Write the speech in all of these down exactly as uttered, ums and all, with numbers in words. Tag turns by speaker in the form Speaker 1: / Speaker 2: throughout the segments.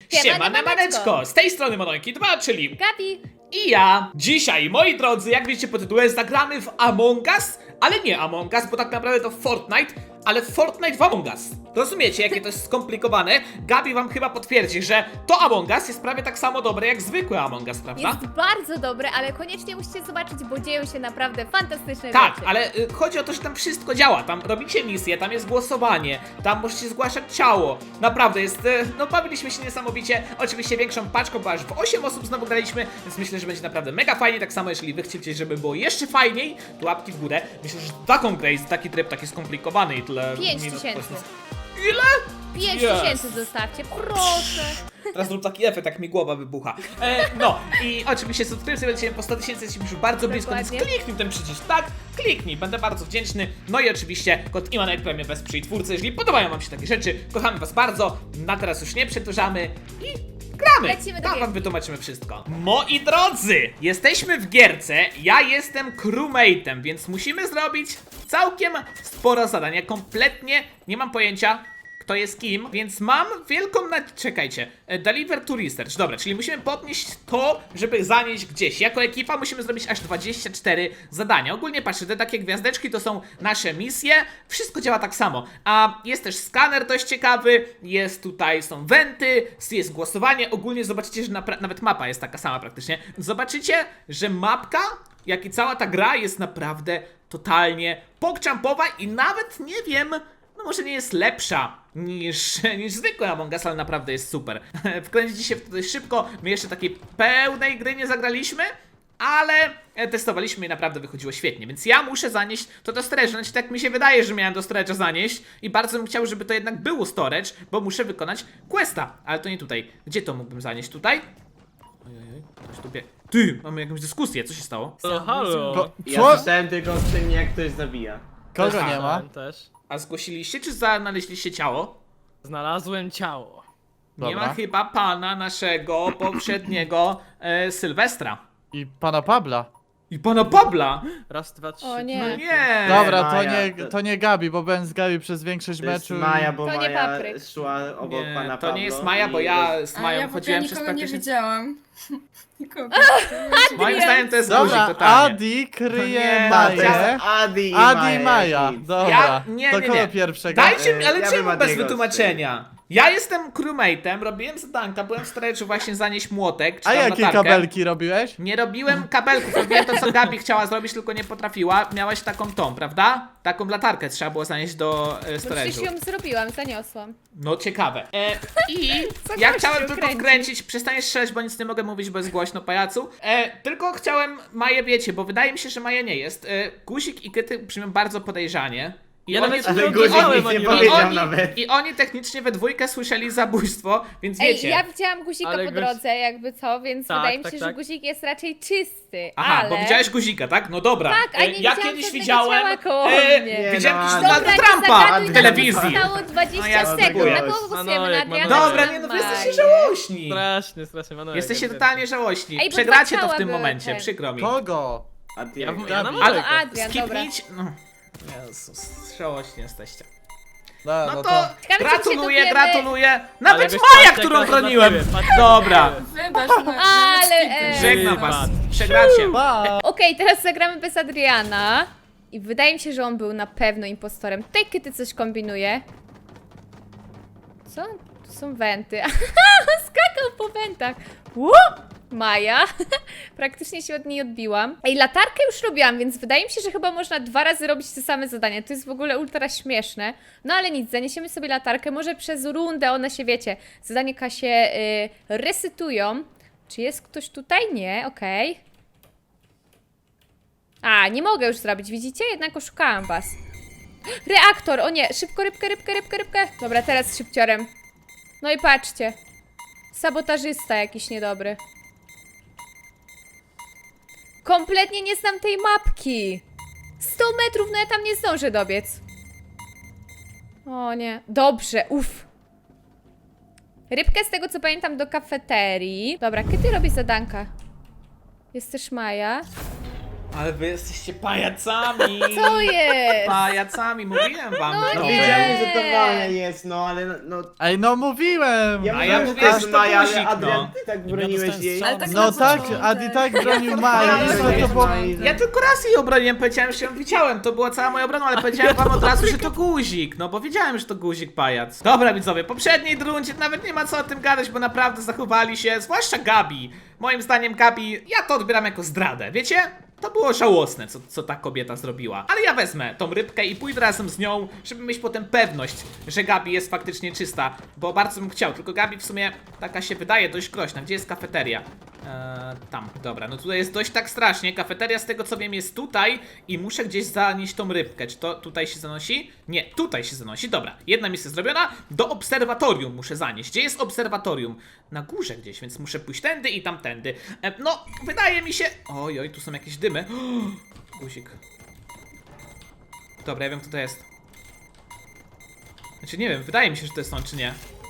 Speaker 1: Siemane maneczko! Z tej strony Monojki dwa, czyli
Speaker 2: Gabi!
Speaker 1: i ja. Dzisiaj, moi drodzy, jak widzicie po tytule, zagramy w Among Us, ale nie Among Us, bo tak naprawdę to Fortnite, ale Fortnite w Among Us. Rozumiecie, jakie to jest skomplikowane? Gabi wam chyba potwierdzi, że to Among Us jest prawie tak samo dobre jak zwykłe Among Us, prawda?
Speaker 2: Jest bardzo dobre, ale koniecznie musicie zobaczyć, bo dzieją się naprawdę fantastyczne
Speaker 1: Tak,
Speaker 2: rzeczy.
Speaker 1: ale y, chodzi o to, że tam wszystko działa. Tam robicie misję, tam jest głosowanie, tam możecie zgłaszać ciało. Naprawdę jest, y, no bawiliśmy się niesamowicie. Oczywiście większą paczką, bo aż w osiem osób znowu graliśmy, więc myślę, że będzie naprawdę mega fajnie. Tak samo, jeżeli wy chcecie, żeby było jeszcze fajniej, to łapki w górę. Myślę, że taką grę jest taki tryb taki skomplikowany i tyle.
Speaker 2: Pięć
Speaker 1: minut
Speaker 2: tysięcy.
Speaker 1: poświęc- Ile?
Speaker 2: Pięć
Speaker 1: Yes.
Speaker 2: tysięcy zostawcie, proszę.
Speaker 1: Teraz zrób taki efekt, jak mi głowa wybucha. E, no i oczywiście subskrypcje będziemy po sto tysięcy, jesteśmy już bardzo blisko, więc
Speaker 2: Dokładnie.
Speaker 1: kliknij ten przycisk, tak? Kliknij, będę bardzo wdzięczny. No i oczywiście kod Imanek Premium wesprzyj twórcę, jeżeli podobają wam się takie rzeczy. Kochamy was bardzo, na teraz już nie przedłużamy i gramy.
Speaker 2: Lecimy do
Speaker 1: Tam wam
Speaker 2: gierki.
Speaker 1: wytłumaczymy wszystko. Moi drodzy, jesteśmy w gierce, ja jestem crewmate'em, więc musimy zrobić całkiem sporo zadań. Ja kompletnie nie mam pojęcia, kto jest kim, więc mam wielką na... Czekajcie. E, Deliver to research. Dobra, czyli musimy podnieść to, żeby zanieść gdzieś. Jako ekipa musimy zrobić aż dwadzieścia cztery zadania. Ogólnie patrzcie, te takie gwiazdeczki to są nasze misje. Wszystko działa tak samo. A jest też skaner dość ciekawy, jest tutaj, są wenty, jest głosowanie. Ogólnie zobaczycie, że napra- nawet mapa jest taka sama praktycznie. Zobaczycie, że mapka, jak i cała ta gra jest naprawdę totalnie pokczampowa i nawet nie wiem... No może nie jest lepsza niż, niż zwykłe Among Us, ale naprawdę jest super. Wkręcicie się w to dość szybko, my jeszcze takiej pełnej gry nie zagraliśmy, ale testowaliśmy i naprawdę wychodziło świetnie, więc ja muszę zanieść to do storage, znaczy tak mi się wydaje, że miałem do storage'a zanieść i bardzo bym chciał, żeby to jednak było storage, bo muszę wykonać questa, ale to nie tutaj. Gdzie to mógłbym zanieść? Tutaj? Ojej, ktoś tu bie... Ty, mamy jakąś dyskusję, co się stało?
Speaker 3: Halo, halo.
Speaker 4: Ko-
Speaker 5: Ja
Speaker 4: Co?
Speaker 5: słyszałem tylko o tym, jak ktoś zabija.
Speaker 4: Kogo
Speaker 1: Aha.
Speaker 4: nie ma?
Speaker 3: Tam też.
Speaker 1: A zgłosiliście, czy znaleźliście ciało?
Speaker 3: Znalazłem ciało.
Speaker 1: Nie
Speaker 4: Dobra.
Speaker 1: ma chyba pana naszego poprzedniego e, Sylwestra.
Speaker 4: I pana Pabla.
Speaker 1: I pana Pabla!
Speaker 3: Raz, dwa, trzy.
Speaker 2: O nie.
Speaker 1: No nie!
Speaker 4: Dobra, to
Speaker 5: Maja,
Speaker 4: nie,
Speaker 5: to-
Speaker 4: to nie Gabi, bo byłem z Gabi przez większość
Speaker 5: To jest
Speaker 4: meczu.
Speaker 5: Maja, bo
Speaker 2: To nie
Speaker 5: Maja
Speaker 2: papryk.
Speaker 5: szła obok
Speaker 1: Nie,
Speaker 5: pana
Speaker 1: to
Speaker 5: Pablo
Speaker 1: nie jest Maja, bo ja z
Speaker 6: A
Speaker 1: Mają
Speaker 6: ja, bo ja
Speaker 1: chodziłem przez
Speaker 6: nikogo nie
Speaker 1: praktycznie...
Speaker 6: widziałam. Nikogo.
Speaker 1: Moim zdaniem to jest
Speaker 4: Dobra,
Speaker 1: guzik totalnie.
Speaker 4: Adi kryje
Speaker 1: Nie,
Speaker 5: Tak, to jest
Speaker 4: Maję.
Speaker 5: Adi i
Speaker 4: Adi
Speaker 5: Maja.
Speaker 4: i Maja.
Speaker 5: nic.
Speaker 4: Dobra,
Speaker 1: Ja- nie,
Speaker 4: to
Speaker 1: nie,
Speaker 4: kogo
Speaker 1: nie.
Speaker 4: pierwszego?
Speaker 1: Dajcie mi,
Speaker 5: E,
Speaker 1: ale
Speaker 5: ja
Speaker 1: czemu
Speaker 5: bym
Speaker 1: bez
Speaker 5: Adiego
Speaker 1: wytłumaczenia? Ja jestem crewmate'em, robiłem zadanka, byłem w storage'u właśnie zanieść młotek, czy
Speaker 4: A
Speaker 1: tam
Speaker 4: jakie
Speaker 1: latarkę.
Speaker 4: kabelki robiłeś?
Speaker 1: Nie robiłem kabelków, robiłem to co Gabi chciała zrobić, tylko nie potrafiła. Miałaś taką tą, prawda? Taką latarkę trzeba było zanieść do e,
Speaker 2: Bo przecież
Speaker 1: storage'u.
Speaker 2: ją zrobiłam, zaniosłam.
Speaker 1: No ciekawe. E, I
Speaker 2: Co
Speaker 1: ja
Speaker 2: gościu
Speaker 1: chciałem tylko
Speaker 2: kręci?
Speaker 1: wkręcić, przestań strzelać, bo nic nie mogę mówić, bo jest głośno, pajacu. E, tylko chciałem Maję, wiecie, bo wydaje mi się, że Maja nie jest. E, Guzik i Kyty brzmią bardzo podejrzanie. I
Speaker 3: Ja
Speaker 1: oni,
Speaker 3: nawet
Speaker 5: Ale
Speaker 3: nie
Speaker 5: Guzik
Speaker 3: odczytałem
Speaker 5: nic nie
Speaker 3: ani
Speaker 1: i,
Speaker 3: razu.
Speaker 5: powiedział
Speaker 1: oni,
Speaker 5: nawet.
Speaker 1: I oni technicznie we dwójkę słyszeli zabójstwo, więc
Speaker 2: Ej,
Speaker 1: wiecie.
Speaker 2: ja widziałam guzika
Speaker 3: Ale
Speaker 2: po
Speaker 3: gość-
Speaker 2: drodze, jakby co, więc
Speaker 3: Tak,
Speaker 2: wydaje mi
Speaker 3: tak,
Speaker 2: się,
Speaker 3: tak.
Speaker 2: że guzik jest raczej czysty,
Speaker 1: Aha,
Speaker 2: ale...
Speaker 1: bo widziałeś guzika, tak? No dobra.
Speaker 2: Tak, a
Speaker 1: E,
Speaker 2: nie
Speaker 1: ja
Speaker 2: widziałam
Speaker 1: kiedyś
Speaker 2: żadnego
Speaker 1: widziałem.
Speaker 2: ciała koło
Speaker 1: E,
Speaker 2: mnie.
Speaker 5: Nie,
Speaker 1: widziałem
Speaker 5: no,
Speaker 1: kiedyś
Speaker 5: ale-
Speaker 1: Donalda
Speaker 2: Dobra,
Speaker 1: Trumpa
Speaker 2: nie zagaduj,
Speaker 1: w
Speaker 2: nam
Speaker 1: telewizji.
Speaker 2: zostało dwadzieścia
Speaker 1: No ja
Speaker 2: sekund,
Speaker 1: spróbuję.
Speaker 2: na kogo
Speaker 3: No,
Speaker 2: głosujemy?
Speaker 3: no,
Speaker 2: Na
Speaker 3: jak
Speaker 2: Adriana?
Speaker 3: mam-
Speaker 1: Dobra,
Speaker 2: czy
Speaker 1: nie no,
Speaker 2: na
Speaker 1: wy jesteście
Speaker 2: Maję?
Speaker 1: żałośni.
Speaker 3: Strasznie, strasznie. Panowie,
Speaker 1: Jesteście
Speaker 3: nie
Speaker 1: totalnie żałośni.
Speaker 2: Ej, bo
Speaker 1: Przegracie
Speaker 2: dwa
Speaker 1: to w
Speaker 2: ciała
Speaker 1: tym
Speaker 2: były
Speaker 1: momencie,
Speaker 2: te.
Speaker 1: przykro mi.
Speaker 4: Kogo?
Speaker 5: Adi,
Speaker 3: Ja,
Speaker 5: jak-
Speaker 3: ja na
Speaker 4: Ale-
Speaker 1: Ale
Speaker 2: O, Adrian, dobra.
Speaker 1: skipnijcie. No. Jezus, żałośni jesteście.
Speaker 4: No,
Speaker 1: No
Speaker 4: no
Speaker 1: to
Speaker 4: to...
Speaker 2: Ciekawe, czy
Speaker 1: gratuluję,
Speaker 2: się dowiemy-
Speaker 1: gratuluję. Nawet
Speaker 3: Ale wiesz,
Speaker 1: Maja,
Speaker 3: patrz,
Speaker 1: którą
Speaker 3: jak to
Speaker 1: broniłem.
Speaker 3: na ciebie, patrz, jak
Speaker 1: Dobra,
Speaker 3: na ciebie.
Speaker 6: Wybacz, no,
Speaker 2: Ale,
Speaker 6: nawet
Speaker 2: e,
Speaker 1: żegnam
Speaker 3: Ty,
Speaker 1: was.
Speaker 3: patrz.
Speaker 1: Przegracie.
Speaker 4: Pa!
Speaker 2: Okej, teraz zagramy bez Adriana. I wydaje mi się, że on był na pewno impostorem. Tutaj Kyty coś kombinuje. Co? Tu są wenty. Skakał po wentach. Ło! Maja. Praktycznie się od niej odbiłam. Ej, latarkę już robiłam, więc wydaje mi się, że chyba można dwa razy robić te same zadania. To jest w ogóle ultra śmieszne. No ale nic, zaniesiemy sobie latarkę. Może przez rundę one się, wiecie, zadania się y, resetują. Czy jest ktoś tutaj? Nie, okej. A, nie mogę już zrobić, widzicie? Jednak oszukałam was. Reaktor, o nie, szybko, rybkę, rybkę, rybkę, rybkę. Dobra, teraz szybciorem. No i patrzcie. Sabotażysta jakiś niedobry. Kompletnie nie znam tej mapki. sto metrów, no ja tam nie zdążę dobiec. O nie, dobrze, uff. Rybkę z tego co pamiętam do kafeterii. Dobra, kiedy robi zadanka? Jest też Maja.
Speaker 1: Ale wy jesteście pajacami!
Speaker 2: Co jest?
Speaker 1: Pajacami, mówiłem wam.
Speaker 2: No
Speaker 5: No
Speaker 1: to
Speaker 2: nie.
Speaker 5: wiedziałem, że to Maja jest, no ale no...
Speaker 4: Ej, no mówiłem!
Speaker 5: Ja
Speaker 1: A
Speaker 5: mówiłem,
Speaker 1: ja
Speaker 5: że
Speaker 1: mówię,
Speaker 5: to
Speaker 1: że
Speaker 5: jest
Speaker 1: to
Speaker 5: Maja,
Speaker 1: guzik,
Speaker 5: ale Adrian,
Speaker 1: no.
Speaker 5: ty tak
Speaker 7: Ja
Speaker 5: broniłeś
Speaker 7: dostałem
Speaker 5: jej.
Speaker 7: strzał.
Speaker 6: Ale tak
Speaker 4: No
Speaker 6: na
Speaker 4: tak,
Speaker 6: początek.
Speaker 4: Adi tak bronił Maja,
Speaker 1: Ja-
Speaker 4: no to było...
Speaker 1: Ja tylko raz jej obroniłem, powiedziałem, że ją widziałem, to była cała moja obrona, ale powiedziałem wam od razu, że to guzik, no bo wiedziałem, że to guzik pajac. Dobra widzowie, w poprzedniej rundzie nawet nie ma co o tym gadać, bo naprawdę zachowali się, zwłaszcza Gabi. Moim zdaniem Gabi, ja to odbieram jako zdradę, wiecie? To było żałosne, co, co ta kobieta zrobiła. Ale ja wezmę tą rybkę i pójdę razem z nią, żeby mieć potem pewność, że Gabi jest faktycznie czysta. Bo bardzo bym chciał, tylko Gabi w sumie taka się wydaje dość groźna. Gdzie jest kafeteria? Eee, tam, dobra, no tutaj jest dość tak strasznie. Kafeteria z tego co wiem jest tutaj i muszę gdzieś zanieść tą rybkę. Czy to tutaj się zanosi? Nie, tutaj się zanosi, dobra. Jedna misja zrobiona, do obserwatorium muszę zanieść. Gdzie jest obserwatorium? Na górze gdzieś, więc muszę pójść tędy i tamtędy. E, no, wydaje mi się... Oj, oj, tu są jakieś dymy. Guzik. Dobra, ja wiem kto to jest. Znaczy nie wiem, wydaje mi się, że to jest on, czy nie.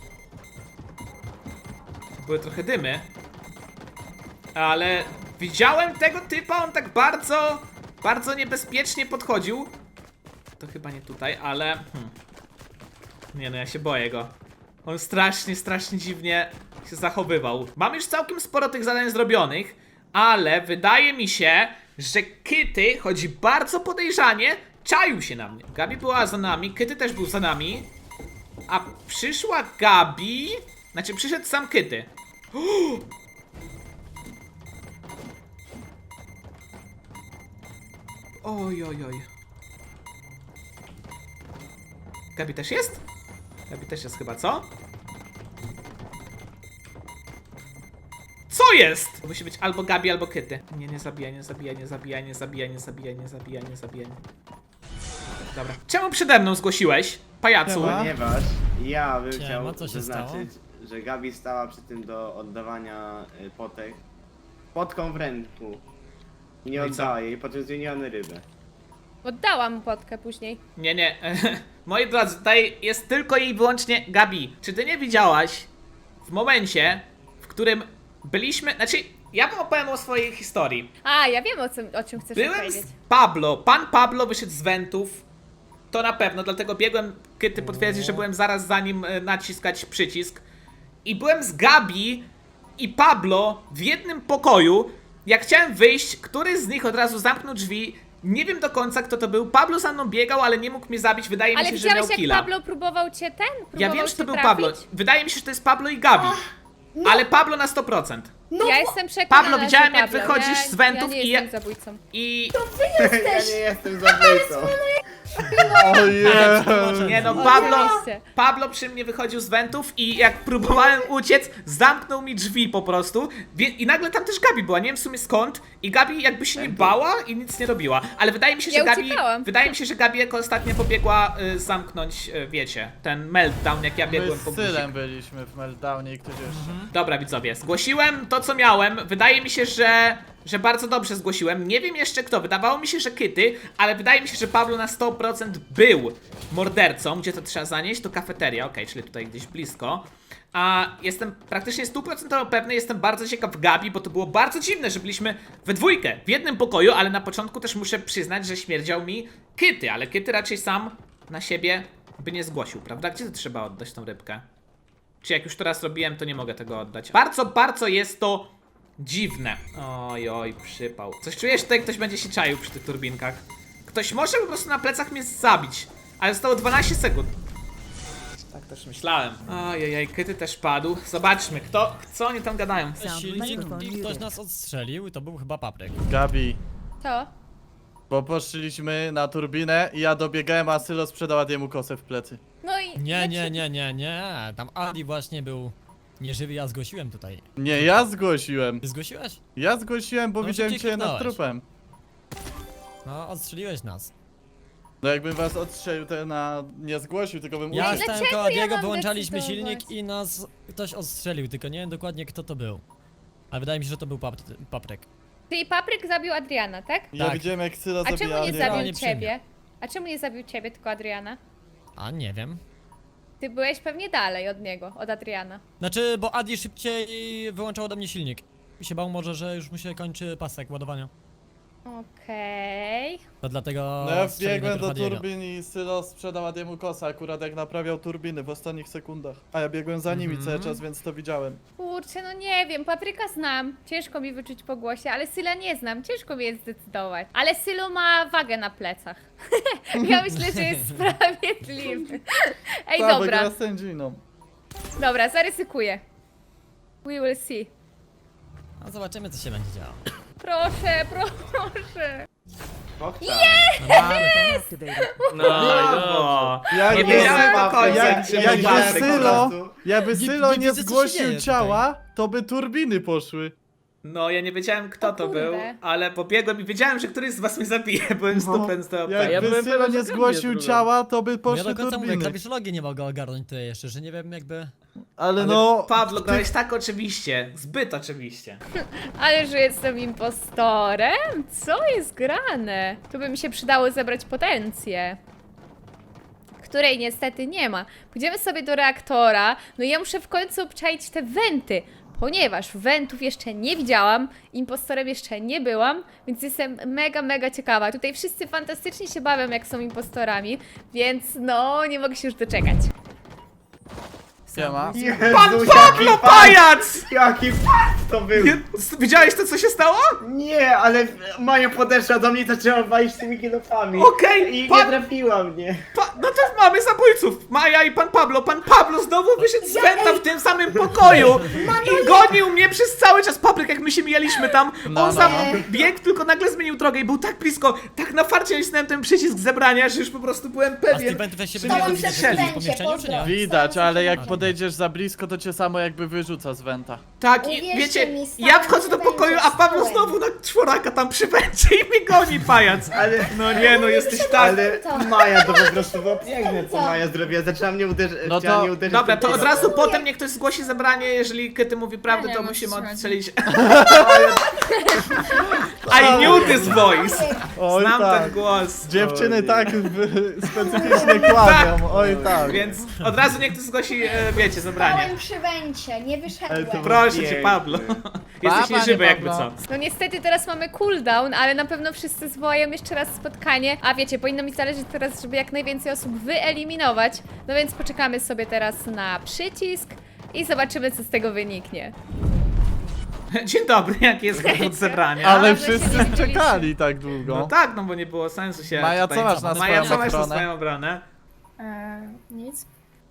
Speaker 1: Były trochę dymy. Ale widziałem tego typa, on tak bardzo, bardzo niebezpiecznie podchodził. To chyba nie tutaj, ale... Hmm. Nie no, ja się boję go. On strasznie, strasznie dziwnie się zachowywał. Mam już całkiem sporo tych zadań zrobionych, ale wydaje mi się, że Kitty, choć bardzo podejrzanie, czaił się na mnie. Gabi była za nami, Kitty też był za nami. A przyszła Gabi... Znaczy przyszedł sam Kitty. Oj, oj, oj. Gabi też jest? Gabi też jest chyba, co? Co jest? To musi być albo Gabi, albo Kitty. Nie, nie zabijaj, nie zabijaj, nie zabijaj, nie zabijaj, nie zabijaj, nie zabijaj, nie zabijaj. Dobra. Czemu przede mną zgłosiłeś, pajacu?
Speaker 4: Siema.
Speaker 5: Ponieważ ja bym
Speaker 7: Siema,
Speaker 5: chciał
Speaker 7: co się
Speaker 5: zaznaczyć, że Gabi stała przy tym do oddawania y, potek potką w ręku. Nie
Speaker 1: No i co?
Speaker 5: oddała jej, po czym zmieniony rybę.
Speaker 2: Oddałam mu potkę później.
Speaker 1: Nie, nie. Moi drodzy, tutaj jest tylko i wyłącznie Gabi. Czy ty nie widziałaś w momencie, w którym byliśmy... Znaczy, ja wam opowiem o swojej historii.
Speaker 2: A, ja wiem o, czym, o czym chcesz
Speaker 1: Byłem
Speaker 2: powiedzieć.
Speaker 1: z Pablo. Pan Pablo wyszedł z wentów. To na pewno, dlatego biegłem, Kitty potwierdzi, że byłem zaraz za nim e, naciskać przycisk. I byłem z Gabi i Pablo w jednym pokoju. Jak chciałem wyjść, któryś z nich od razu zamknął drzwi. Nie wiem do końca kto to był. Pablo za mną biegał, ale nie mógł mnie zabić. Wydaje mi
Speaker 2: Ale
Speaker 1: się, że miał
Speaker 2: widziałeś jak
Speaker 1: killa.
Speaker 2: Pablo próbował cię ten? Próbował
Speaker 1: Ja wiem, że
Speaker 2: cię
Speaker 1: to był
Speaker 2: trafić?
Speaker 1: Pablo. Wydaje mi się, że to jest Pablo i Gabi. Ale Pablo na sto procent.
Speaker 2: Ja jestem przekonana,
Speaker 1: Pablo, widziałem,
Speaker 2: że
Speaker 1: jak
Speaker 2: Pablo.
Speaker 1: wychodzisz
Speaker 2: ja,
Speaker 1: z wentów
Speaker 2: ja nie
Speaker 1: i
Speaker 2: jestem
Speaker 1: ja-
Speaker 2: zabójcą.
Speaker 1: I...
Speaker 5: Ja nie jestem zabójcą.
Speaker 4: Ojej!
Speaker 1: Nie no, Pablo,
Speaker 2: Oczywiście.
Speaker 1: Pablo przy mnie wychodził z wentów i jak próbowałem uciec, zamknął mi drzwi po prostu. Wie- I nagle tam też Gabi była, nie wiem w sumie skąd. I Gabi jakby się nie bała i nic nie robiła. Ale wydaje mi się, że
Speaker 2: Ja
Speaker 1: Gabi.
Speaker 2: uciekałam.
Speaker 1: Wydaje mi się, że Gabi jako ostatnia pobiegła y, zamknąć, y, wiecie, ten meltdown, jak ja
Speaker 4: My
Speaker 1: biegłem po
Speaker 4: z
Speaker 1: guzik.
Speaker 4: Sylem byliśmy w meltdownie i ktoś jeszcze.
Speaker 1: Dobra widzowie, zgłosiłem to co miałem. Wydaje mi się, że, że bardzo dobrze zgłosiłem. Nie wiem jeszcze kto, wydawało mi się, że Kitty, ale wydaje mi się, że Pablo na sto procent był mordercą. Gdzie to trzeba zanieść? To kafeteria, okej, czyli tutaj gdzieś blisko. A jestem praktycznie stuprocentowo pewny, jestem bardzo ciekaw Gabi, bo to było bardzo dziwne, że byliśmy we dwójkę, w jednym pokoju, ale na początku też muszę przyznać, że śmierdział mi Kitty, ale Kitty raczej sam na siebie by nie zgłosił, prawda? Gdzie to trzeba oddać tą rybkę? Czy jak już to raz robiłem, to nie mogę tego oddać. Bardzo, bardzo jest to dziwne. Oj, oj, przypał. Coś czujesz, że tutaj ktoś będzie się czaił przy tych turbinkach. Ktoś może po prostu na plecach mnie zabić. Ale zostało dwanaście sekund. Tak też myślałem. Ojej, Kitty też padł. Zobaczmy, kto, co oni tam gadają.
Speaker 7: Silnik i ktoś nas odstrzelił i to był chyba papryk.
Speaker 4: Gabi,
Speaker 2: To?
Speaker 4: bo poszliśmy na turbinę i ja dobiegałem, a Sylo sprzedał Adiemu kosę w plecy.
Speaker 2: No i...
Speaker 7: Nie, nie, nie, nie, nie. Tam Adi właśnie był nieżywy, ja zgłosiłem tutaj.
Speaker 4: Nie, ja zgłosiłem.
Speaker 7: Ty zgłosiłeś?
Speaker 4: Ja zgłosiłem, bo
Speaker 7: No,
Speaker 4: widziałem
Speaker 7: szybciej
Speaker 4: cię nad
Speaker 7: kliknąłeś.
Speaker 4: trupem.
Speaker 7: No, odstrzeliłeś nas.
Speaker 4: No jakbym was odstrzelił, to na... nie zgłosił, tylko bym
Speaker 7: Ja
Speaker 4: uciekł.
Speaker 7: stałem
Speaker 2: dlaczego
Speaker 7: koło
Speaker 2: ja
Speaker 7: Diego,
Speaker 2: mam
Speaker 7: wyłączaliśmy
Speaker 2: decydować?
Speaker 7: silnik i nas ktoś odstrzelił, tylko nie wiem dokładnie kto to był. Ale wydaje mi się, że to był pap papryk.
Speaker 2: Czyli Papryk zabił Adriana, tak?
Speaker 4: Ja
Speaker 7: Tak.
Speaker 4: widziałem jak Sylo
Speaker 2: A
Speaker 4: zabija
Speaker 2: czemu nie
Speaker 4: Adiego.
Speaker 7: nie
Speaker 2: zabił
Speaker 7: przy mnie.
Speaker 2: ciebie? A czemu nie zabił ciebie, tylko Adriana?
Speaker 7: A nie wiem.
Speaker 2: Ty byłeś pewnie dalej od niego, od Adriana.
Speaker 7: Znaczy, bo Adi szybciej wyłączał ode mnie silnik. I się bał może, że już mu się kończy pasek ładowania.
Speaker 2: Okej.
Speaker 7: To dlatego
Speaker 4: No ja
Speaker 7: strzelił
Speaker 4: wbiegłem do
Speaker 7: najpierw Adiego.
Speaker 4: turbin i Sylo sprzedał Adiemu kosa, akurat jak naprawiał turbiny w ostatnich sekundach. A ja biegłem za nimi
Speaker 7: Mhm.
Speaker 4: cały czas, więc to widziałem.
Speaker 2: Kurczę, no nie wiem, Papryka znam. Ciężko mi wyczuć po głosie, ale Syla nie znam. Ciężko mi jest zdecydować. Ale Sylo ma wagę na plecach. Ja myślę, że jest sprawiedliwy. Ej,
Speaker 4: Ta,
Speaker 2: dobra.
Speaker 4: wygra sędziną.
Speaker 2: Dobra, zaryzykuję. We will see.
Speaker 7: A zobaczymy, co się będzie działo.
Speaker 2: Proszę, proszę.
Speaker 5: Kokta.
Speaker 7: No, mamy to.
Speaker 3: No i dobrze.
Speaker 1: Brawo!
Speaker 4: Jak
Speaker 1: Nie
Speaker 4: by-
Speaker 1: wiedziałem do końca,
Speaker 4: jak-
Speaker 1: czy
Speaker 4: jakby
Speaker 1: będzie
Speaker 5: Sylo-
Speaker 4: Sylo,
Speaker 5: po prostu.
Speaker 4: jakby
Speaker 7: Nie-
Speaker 4: Sylo
Speaker 7: nie
Speaker 4: nie
Speaker 7: widzę, co się
Speaker 4: zgłosił
Speaker 7: dzieje
Speaker 4: ciała, to by turbiny poszły.
Speaker 1: No, ja nie wiedziałem kto
Speaker 2: O
Speaker 1: to
Speaker 2: kurde.
Speaker 1: był, ale pobiegłem i wiedziałem, że któryś z was mnie zabije, byłem sto procent pewien.
Speaker 3: ja
Speaker 4: Jakby
Speaker 3: byłem
Speaker 4: Sylo
Speaker 3: pewien,
Speaker 4: nie
Speaker 3: że Gabi
Speaker 4: zgłosił
Speaker 3: jest
Speaker 4: ciała, to by
Speaker 7: Ja
Speaker 4: poszły
Speaker 7: do końca mówię,
Speaker 4: turbiny.
Speaker 7: klawiszologię nie mogę ogarnąć tutaj jeszcze, że nie wiem jakby...
Speaker 4: Ale
Speaker 1: Ale
Speaker 4: no...
Speaker 1: Pablo, grałeś tak oczywiście, zbyt oczywiście.
Speaker 2: Ale że jestem impostorem? Co jest grane? Tu by mi się przydało zebrać potencję. Której niestety nie ma. Pójdziemy sobie do reaktora. No i ja muszę w końcu obczaić te wenty. Ponieważ wentów jeszcze nie widziałam, impostorem jeszcze nie byłam, więc jestem mega, mega ciekawa. Tutaj wszyscy fantastycznie się bawią, jak są impostorami, więc no, nie mogę się już doczekać.
Speaker 4: Siema.
Speaker 1: Pan
Speaker 5: Jezus,
Speaker 1: Pablo,
Speaker 5: jaki
Speaker 1: pajac!
Speaker 5: Jaki fart to był!
Speaker 1: Nie, widziałeś to, co się stało?
Speaker 5: Nie, ale Maja podeszła do mnie i zaczęła walić tymi kilofami.
Speaker 1: Okej,
Speaker 5: I nie
Speaker 1: pan-
Speaker 5: trafiła mnie.
Speaker 1: Pa, no to mamy zabójców! Maja i pan Pablo. Pan Pablo znowu wyszedł z wenta w tym samym pokoju i gonił mnie przez cały czas. Papryk, jak my się mijaliśmy tam,
Speaker 4: No,
Speaker 1: on
Speaker 4: no.
Speaker 1: sam biegł, tylko nagle zmienił drogę i był tak blisko, tak na farcie nacisnąłem ten przycisk zebrania, że już po prostu byłem
Speaker 7: A z
Speaker 1: pewien.
Speaker 7: tych wentów się
Speaker 1: że
Speaker 7: będzie
Speaker 1: nie
Speaker 7: widać
Speaker 1: strzeli.
Speaker 7: w pomieszczeniu, czy nie?
Speaker 4: Widać, ale jak podejdziesz za blisko, to cię samo jakby wyrzuca z wenta.
Speaker 1: Tak, i
Speaker 8: Uwierzcie
Speaker 1: wiecie,
Speaker 8: mi, stałem
Speaker 1: ja wchodzę do
Speaker 8: przy
Speaker 1: pokoju,
Speaker 8: węcie,
Speaker 1: a Pablo
Speaker 8: stałem.
Speaker 1: znowu na czworaka tam przy węcie i mnie goni, pajac.
Speaker 5: Ale,
Speaker 1: No nie, no jesteś tak...
Speaker 5: ale Maja to po prostu było piękne, co Maja zrobiła. Zaczęła mnie uderzyć.
Speaker 4: No
Speaker 5: chciała
Speaker 4: to-
Speaker 5: mnie uderzyć
Speaker 1: Dobra,
Speaker 5: tym
Speaker 1: to od
Speaker 5: kilofem.
Speaker 1: razu potem niech ktoś zgłosi zebranie, jeżeli Kyty mówi prawdę,
Speaker 6: Ja nie
Speaker 1: to
Speaker 6: wiem, o
Speaker 1: musimy
Speaker 6: co chodzi.
Speaker 1: odstrzelić. I knew this voice!
Speaker 4: Oj
Speaker 1: Znam
Speaker 4: tak.
Speaker 1: ten głos.
Speaker 4: Dziewczyny
Speaker 5: O nie.
Speaker 4: tak w- specyficznie kłamią, oj tak.
Speaker 1: Więc od razu niech ktoś zgłosi, e, wiecie, zebranie.
Speaker 8: Stałem przy węcie, nie
Speaker 5: Ale to
Speaker 8: wyszedłem.
Speaker 5: było
Speaker 1: Proszę cię,
Speaker 5: piękne.
Speaker 1: Pablo. Jesteś
Speaker 4: panie
Speaker 1: nieżywy jakby
Speaker 4: Pablo.
Speaker 1: co.
Speaker 2: No niestety teraz mamy cooldown, ale na pewno wszyscy zwołają jeszcze raz spotkanie. A wiecie, powinno mi zależeć teraz, żeby jak najwięcej osób wyeliminować. No więc poczekamy sobie teraz na przycisk i zobaczymy, co z tego wyniknie.
Speaker 1: Dzień dobry, jaki jest powód zebrania?
Speaker 4: Ale
Speaker 2: Dobrze się
Speaker 4: wszyscy
Speaker 2: nie
Speaker 4: czekali tak długo.
Speaker 1: No tak, no bo nie było sensu się
Speaker 4: Maja,
Speaker 1: tutaj...
Speaker 4: co masz na
Speaker 1: Maja, co
Speaker 4: swoją
Speaker 1: masz na
Speaker 4: obronę?
Speaker 1: swoją obronę?
Speaker 6: Eee, nic.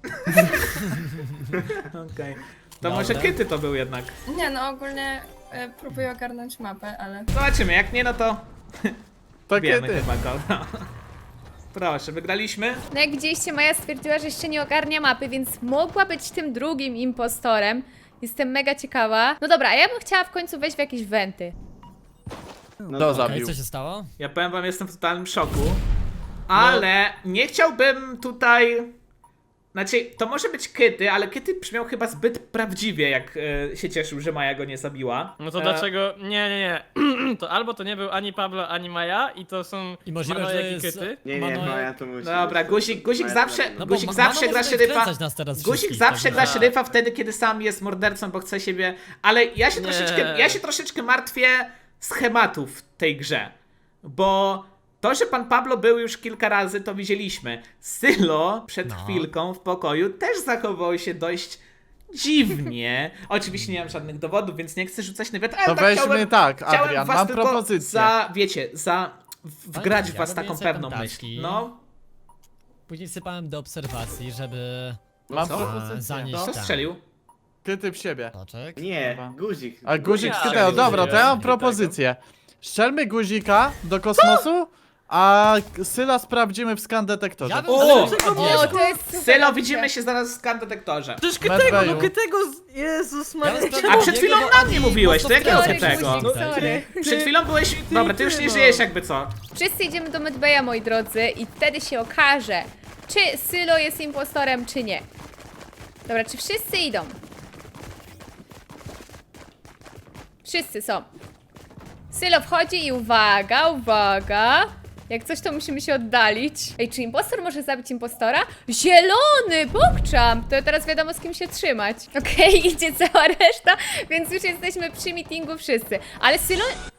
Speaker 1: Okej. To
Speaker 7: Dobra.
Speaker 1: może Kyty to był jednak.
Speaker 6: Nie no, ogólnie e, próbuję ogarnąć mapę, ale...
Speaker 1: Zobaczymy, jak nie, no to wiemy
Speaker 4: Pakiety.
Speaker 1: chyba go. No. Proszę, wygraliśmy?
Speaker 2: No jak widzieliście, Maja stwierdziła, że jeszcze nie ogarnia mapy, więc mogła być tym drugim impostorem. Jestem mega ciekawa. No dobra, a ja bym chciała w końcu wejść w jakieś wenty.
Speaker 5: No
Speaker 4: To
Speaker 5: to-
Speaker 7: Okej,
Speaker 4: zabił.
Speaker 7: co się stało?
Speaker 1: Ja powiem wam, jestem w totalnym szoku. Ale nie chciałbym tutaj... Znaczy, to może być Kyty, ale Kyty brzmiał chyba zbyt prawdziwie, jak e, się cieszył, że Maja go nie zabiła.
Speaker 3: No to
Speaker 1: E,
Speaker 3: dlaczego? Nie, nie, nie. To albo to nie był ani Pablo, ani Maja i to są
Speaker 7: I możliwe, że
Speaker 3: Manojek i
Speaker 7: jest...
Speaker 3: Kyty.
Speaker 5: Nie, nie,
Speaker 7: Mano-
Speaker 5: Maja to musi
Speaker 1: Dobra,
Speaker 5: być-
Speaker 1: guzik, guzik
Speaker 5: Maja
Speaker 1: zawsze,
Speaker 5: to
Speaker 7: No bo
Speaker 1: guzik
Speaker 7: Ma-
Speaker 1: zawsze
Speaker 7: Mano
Speaker 1: gra
Speaker 7: może
Speaker 1: szeryfa.
Speaker 7: wkręcać nas teraz
Speaker 1: Guzik
Speaker 7: wszystkich,
Speaker 1: zawsze
Speaker 7: także-
Speaker 1: gra szeryfa wtedy, kiedy sam jest mordercą, bo chce siebie. Ale ja się
Speaker 3: Nie.
Speaker 1: troszeczkę, ja się troszeczkę martwię schematów w tej grze. Bo to, że pan Pablo był już kilka razy, to widzieliśmy. Sylo przed
Speaker 7: No.
Speaker 1: chwilką w pokoju też zachował się dość dziwnie. Oczywiście nie mam żadnych dowodów, więc nie chcę rzucać na wiatr, ale
Speaker 4: To
Speaker 1: tak
Speaker 4: weźmy
Speaker 1: chciałem,
Speaker 4: tak,
Speaker 1: chciałem
Speaker 4: Adrian,
Speaker 1: was
Speaker 4: mam
Speaker 1: tylko
Speaker 4: propozycję.
Speaker 1: za, wiecie, za w- wgrać w
Speaker 7: ja
Speaker 1: was
Speaker 7: robię
Speaker 1: taką
Speaker 7: sobie
Speaker 1: pewną
Speaker 7: tam
Speaker 1: myśl.
Speaker 7: taski.
Speaker 1: No,
Speaker 7: Później wsypałem do obserwacji, żeby...
Speaker 4: Mam
Speaker 1: Co?
Speaker 4: propozycję.
Speaker 7: Zanieść
Speaker 1: kto
Speaker 7: tam.
Speaker 1: strzelił?
Speaker 4: Kyty w siebie.
Speaker 7: Toczek.
Speaker 5: Nie,
Speaker 4: Dobra.
Speaker 5: guzik.
Speaker 4: A guzik
Speaker 3: Ja,
Speaker 4: skyteo,
Speaker 3: guzik
Speaker 4: dobra, to ja mam
Speaker 3: jest.
Speaker 4: propozycję. Strzelmy guzika do kosmosu, a Syla sprawdzimy w skan detektorze.
Speaker 7: Ja bym
Speaker 1: O!
Speaker 7: strzelił
Speaker 2: O,
Speaker 7: Adiego.
Speaker 2: to jest super.
Speaker 1: Sylo,
Speaker 2: opcja.
Speaker 1: widzimy się zaraz w skan detektorze.
Speaker 3: Przecież
Speaker 4: Medbayu.
Speaker 3: Kytego, no Kytego, z... Jezus
Speaker 7: Ja
Speaker 3: Maria.
Speaker 7: bym
Speaker 1: A przed chwilą
Speaker 7: Adiego,
Speaker 1: na
Speaker 7: bo
Speaker 1: mnie
Speaker 7: Adi
Speaker 1: mówiłeś, to
Speaker 7: mocno
Speaker 1: jakiego
Speaker 2: Sorry,
Speaker 1: Kytego?
Speaker 2: guzik, sorry.
Speaker 1: Przed chwilą byłeś... Dobra, ty już nie
Speaker 3: no.
Speaker 1: żyjesz jakby co.
Speaker 2: Wszyscy idziemy do Medbaya, moi drodzy, i wtedy się okaże, czy Sylo jest impostorem, czy nie. Dobra, czy wszyscy idą? Wszyscy są. Sylo wchodzi i uwaga, uwaga. Jak coś, to musimy się oddalić. Ej, czy impostor może zabić impostora? Zielony! Pokczam! To teraz wiadomo, z kim się trzymać. Okej, idzie cała reszta, więc już jesteśmy przy meetingu wszyscy. Ale Sylo...